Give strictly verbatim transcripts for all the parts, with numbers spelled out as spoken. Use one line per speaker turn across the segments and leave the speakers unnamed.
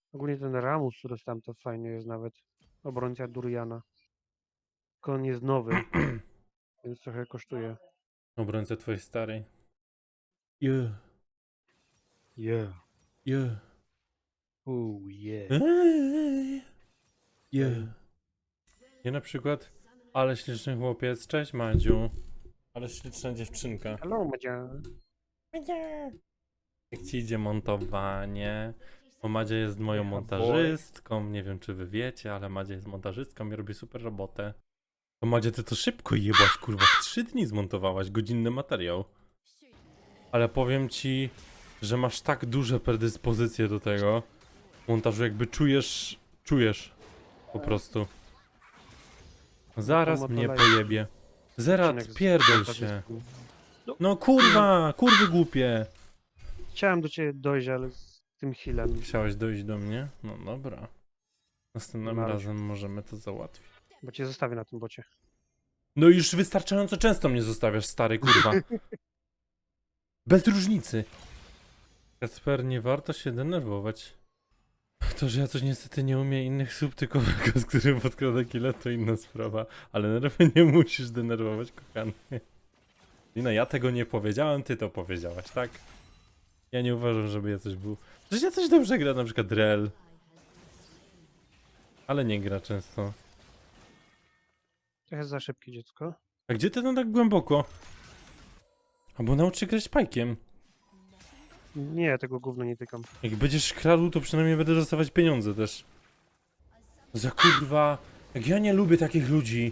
Ogólnie ten Ramus, który tam to fajny jest nawet. Obrońca Duriana. Tylko on jest nowy, więc trochę kosztuje.
Obrońcę twojej starej. Yeah,
Yeah.
yeah.
Ooh, yeah.
Eee, yeah.
Ej.
Ja na przykład, ale śliczny chłopiec, cześć Madziu. Ale śliczna dziewczynka.
Hello, Madzia.
Jak ci idzie montowanie? Bo Madzia jest moją
Yeah,
montażystką, nie wiem czy wy wiecie, ale Madzia jest montażystką i robi super robotę. To Madzia, ty to szybko jebłaś, kurwa, w trzy dni zmontowałaś godzinny materiał. Ale powiem ci, że masz tak duże predyspozycje do tego montażu, jakby czujesz, czujesz po prostu. Zaraz
to
mnie
live.
pojebie. Zerat,
Odcinek z
pierdol się.
montażystką.
No kurwa, kurwy głupie.
Chciałem do ciebie dojść, ale z tym healem.
Chciałeś dojść do mnie? No dobra. Następnym
Marudź.
razem możemy to załatwić.
Bo cię zostawię na tym bocie.
No już wystarczająco często mnie zostawiasz, stary kurwa. Bez różnicy. Kasper, nie warto się denerwować. To, że ja coś niestety nie umiem innych słów, tylko z którym podkrada killa, to inna sprawa. Ale nerwy nie musisz denerwować, kochany. Lina, ja tego nie powiedziałem, ty to powiedziałaś, tak? Ja nie uważam, żeby ja coś był. Przecież ja coś dobrze gra, na przykład Rel. Ale nie gra często.
Trochę za szybkie dziecko.
A gdzie ty tam tak głęboko? Albo naucz się grać pajkiem.
Nie, tego gówno nie tykam.
Jak będziesz kradł, to przynajmniej będę dostawać pieniądze też. Za kurwa. Jak ja nie lubię takich ludzi.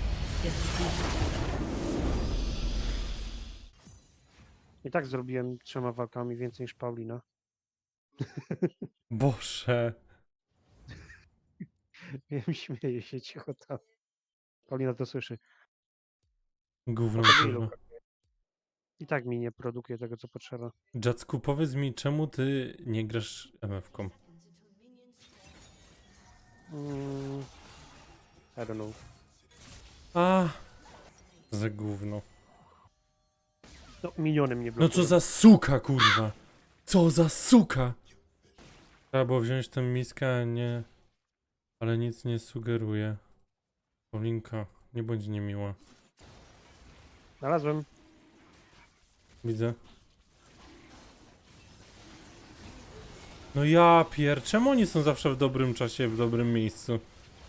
I tak zrobiłem trzema walkami więcej niż Paulina.
Boże.
Wiem, śmieję się cicho tam. Paulina to słyszy.
Gówno
Potem
kurwa.
ilu. I tak mi nie produkuje tego, co potrzeba.
Jacku, powiedz mi, czemu ty nie grasz M F-ką?
Mm, I don't know.
A, za gówno.
No, miliony mnie
No
blokują.
co za suka, kurwa. Co za suka. Trzeba było wziąć tę miskę, a nie... Ale nic nie sugeruje. Paulinka, nie bądź niemiła.
Znalazłem.
Widzę. No ja pier... Czemu oni są zawsze w dobrym czasie, w dobrym miejscu?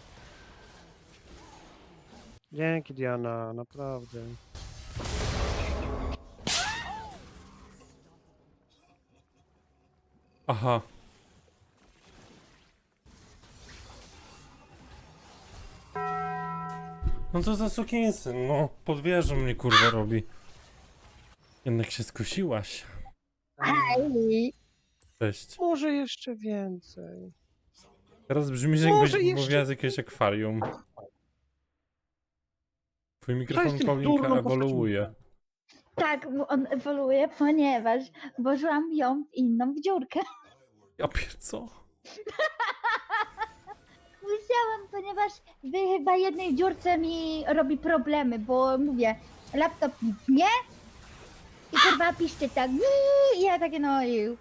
Dzięki, Diana, naprawdę.
Aha. No co za sukinsyn, no. Pod wieżą mnie kurwa robi. Jednak się skusiłaś.
Aj,
Cześć.
Może jeszcze więcej.
Teraz brzmi, że
Może
jakbyś
jeszcze-
mówiła z jakiegoś akwarium. Twój mikrofon,
tym
Paulinka,
durną
ewoluuje.
tak, bo on ewoluuje, ponieważ włożyłam ją w inną dziurkę.
Ja pier... co?
Musiałam, ponieważ w chyba jednej dziurce mi robi problemy, bo mówię, laptop nic nie i kurwa piszczy tak i ja takie no i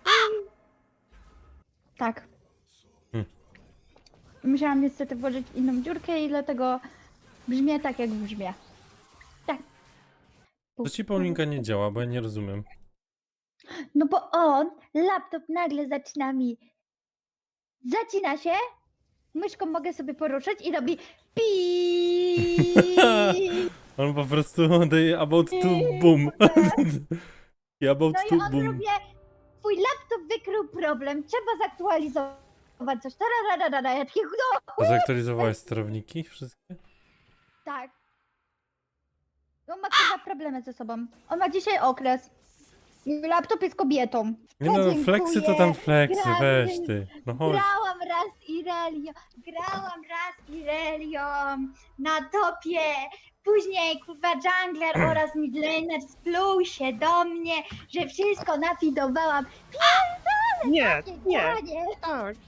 tak.
Hmm.
Musiałam niestety włożyć w inną dziurkę i dlatego brzmię tak jak brzmię. Tak.
To ci Paulinka nie działa, bo ja nie rozumiem.
No bo on, laptop nagle zaczyna mi, zacina się, myszką mogę sobie poruszać i robi pi.
On po prostu daje about to boom. I about
No
to
i on
boom.
robi, twój laptop wykrył problem, trzeba zaktualizować coś. Tararara, ja takie, no
A zaktualizowałeś sterowniki wszystkie?
tak. On ma kurwa problemy ze sobą. On ma dzisiaj okres. Laptop jest kobietą.
Nie no,
Dziękuję.
fleksy to tam fleksy,
Gra-
weź ty. No chodź.
Grałam raz Irelią, grałam raz Irelią na topie. Później kurwa jungler oraz midlaner spluł się do mnie, że wszystko nafidowałam.
Nie, nie.
Panie,
Tak.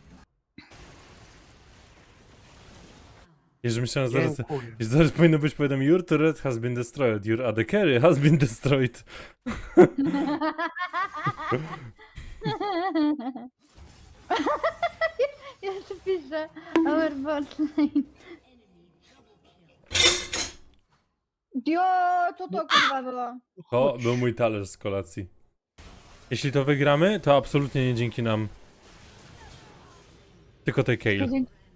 Jeżeli myślałem zaraz,
Dziękuję.
zaraz powinno być powiedziane your turret has been destroyed, your A D carry has been destroyed.
Boże, our bot lane. Dio, co to kurwa było?
To był mój talerz z kolacji. Jeśli to wygramy, to absolutnie nie dzięki nam. Tylko tej Kale.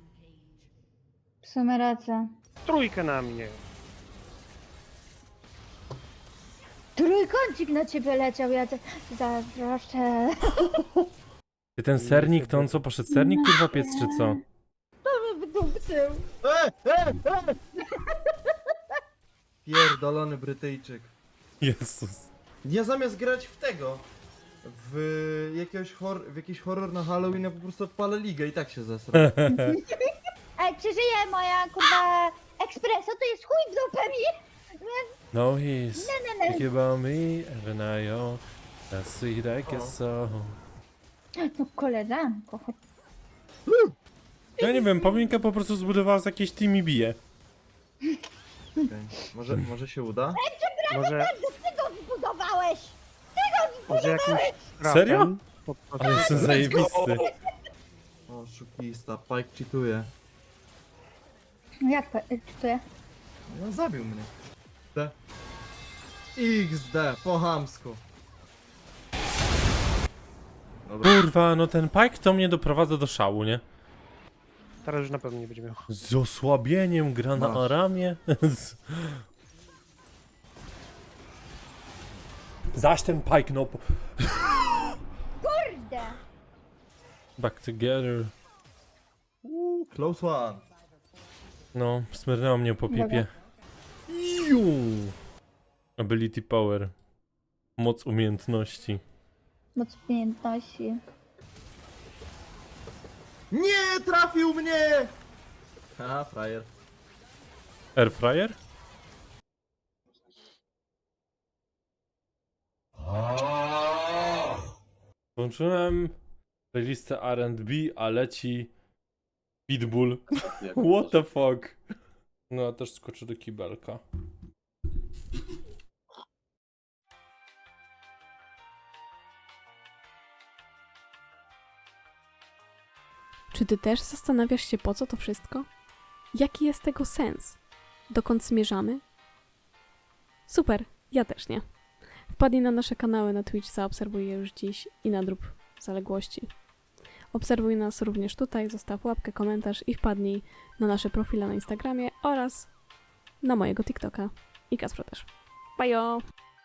W sumie racja.
Trójkę na mnie.
Trójkącik na ciebie leciał, ja cię zazdroszczę.
Ty ten sernik, to on co, poszedł sernik kurwa piec czy co?
To mnie wydupcył.
E, e, e! Pierdolony Brytyjczyk.
Jezus.
Ja zamiast grać w tego, w jakiegoś hor w jakiś horror na Halloween, ja po prostu odpalę ligę i tak się zesra.
Ej, czy żyje moja kurwa ekspreso? To jest chuj w dupę mi!
No he's
Nie, nie, nie.
thinking about me every night, oh. That's sweet I guess so.
No koleżanko, chodź.
Ja nie wiem, Paulinka po prostu zbudowała z jakiejś team i bije.
Okej. Może, może się uda?
Może,
Ty go zbudowałeś!
może jakimś
Serio?
trafem po prostu-
Ale jestem zajebisty.
O, szukista, Pike cheatuje.
No jak to, czy to ja?
No zabił mnie. D. X D, po chamsku. Dobra.
Kurwa, no ten Pike to mnie doprowadza do szału, nie?
Teraz już na pewno nie będzie miał.
Z osłabieniem gra na
Masz.
Aramie. Z- Zaś ten Pike, no. po-
Kurde!
Back together.
Uuu, close one.
No, smyrnęło mnie po
Dobra.
pipie. Iu. Ability power. Moc umiejętności.
Moc umiejętności.
Nie, trafił mnie! Ha, frajer.
Airfryer? Włączyłem playlistę R and B, a leci Pitbull. What the fuck? No, ja też skoczę do kibelka.
Czy ty też zastanawiasz się, po co to wszystko? Jaki jest tego sens? Dokąd zmierzamy? Super, ja też nie. Wpadnij na nasze kanały na Twitch, zaobserwuj je już dziś i nadrób zaległości. Obserwuj nas również tutaj, zostaw łapkę, komentarz i wpadnij na nasze profile na Instagramie oraz na mojego TikToka. I Kacpra też. Bajo!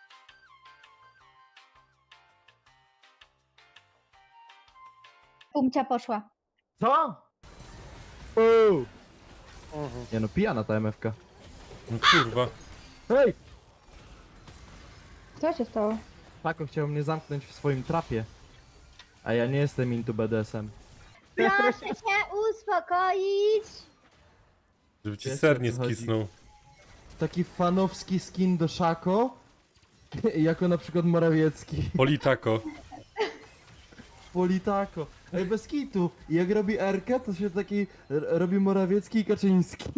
Pumcia poszła.
Co? Uuu.
Mhm.
Nie no, pijana ta M F K.
No kurwa.
Hej!
Co się stało?
Pako chciał mnie zamknąć w swoim trapie. A ja nie jestem into B D S M.
Proszę się uspokoić!
Żeby ci
Wiesz,
ser
o
nie
co chodzi.
skisnął.
Taki fanowski skin do Szako. Jako na przykład Morawiecki.
Politako.
Politako. Ej, bez kitu. I jak robi R-kę, to się taki r- robi Morawiecki i Kaczyński.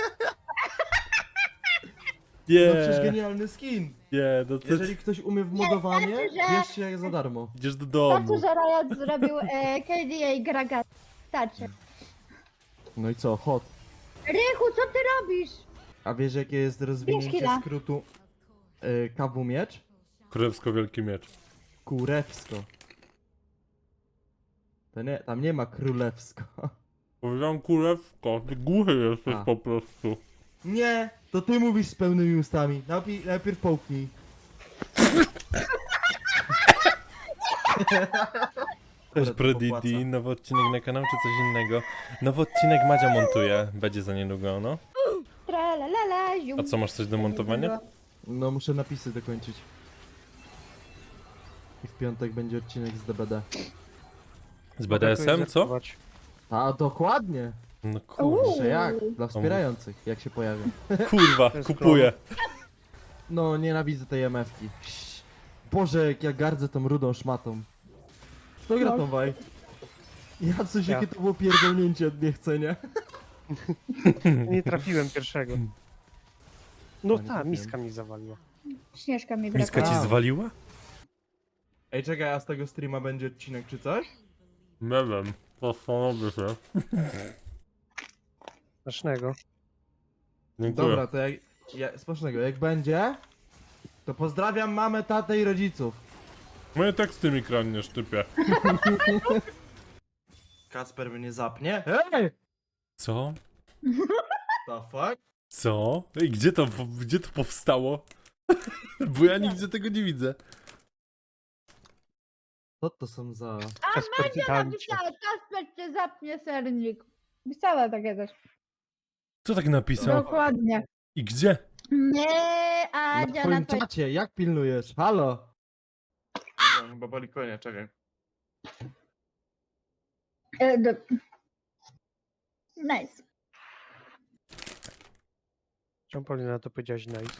No przecież
Nie,
genialny skin.
nie, no to
Jeżeli ktoś umie w modowanie,
znaczy, że-
bierzcie jak za darmo.
idziesz do
To, co
domu.
że Riot zrobił e, K D A Graga. Starczy.
No i co, hot.
Rychu, co ty robisz?
A wiesz jakie jest rozwinięcie
chwila.
skrótu y, K W miecz?
Królewsko wielki miecz.
Kurewsko. To nie, tam nie ma królewsko.
Powiedziałem kurewsko, ty głuchy jesteś
A.
po prostu.
Nie, to ty mówisz z pełnymi ustami. Najpierw, najpierw połknij.
Też
to
Pro D
popłaca.
D, nowy odcinek na kanał czy coś innego? Nowy odcinek Madzia montuje, będzie za niedługo, no.
Tralalala, zium.
A co, masz coś do montowania?
No muszę napisy dokończyć. I w piątek będzie odcinek z D B D.
Z B D S M, co?
Zerkować.
A dokładnie.
No kurwa,
Że jak? Dla wspierających, jak się pojawią.
kurwa,
To jest
kupuję.
No nienawidzę tej M F ki. Boże, jak ja gardzę tą rudą szmatą. Kto gra tą waj? Ja coś,
Ja.
jakie to było pierdolnięcie od niechcenia.
Nie trafiłem pierwszego. No
A, nie
ta,
trafiłem.
miska mi zawaliła.
Śnieżka mi
Miska
brakuje.
ci zwaliła?
Ej, czekaj, a z tego streama będzie odcinek czy coś?
Nie wiem, zastanowię się.
Smacznego.
Dziękuję.
Dobra, to jak... Ja, smacznego, jak będzie, to pozdrawiam mamę, tatę i rodziców.
Moje teksty mi kradniesz, typie.
Kacper mnie zapnie. Ej!
Co?
The fuck?
Co? Ej, gdzie to, gdzie to powstało? Bo ja nigdzie tego nie widzę.
Co to są za...
Kasper Tytancie.
Napisała, Kasper cię zapnie sernik. Pisała takie też.
Co tak napisał?
Dokładnie.
I gdzie?
Nie,
Na
Adzia na
twoim
to.
czacie, jak pilnujesz? Halo? No, chyba boli konia, czekaj.
E, do... Nice.
Czemu Paulina to powiedziałaś nice?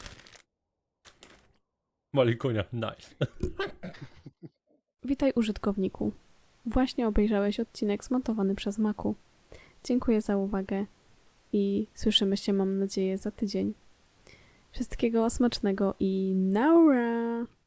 Mali konia, nice.
Witaj użytkowniku. Właśnie obejrzałeś odcinek zmontowany przez Maku. Dziękuję za uwagę i słyszymy się, mam nadzieję, za tydzień. Wszystkiego smacznego i naura!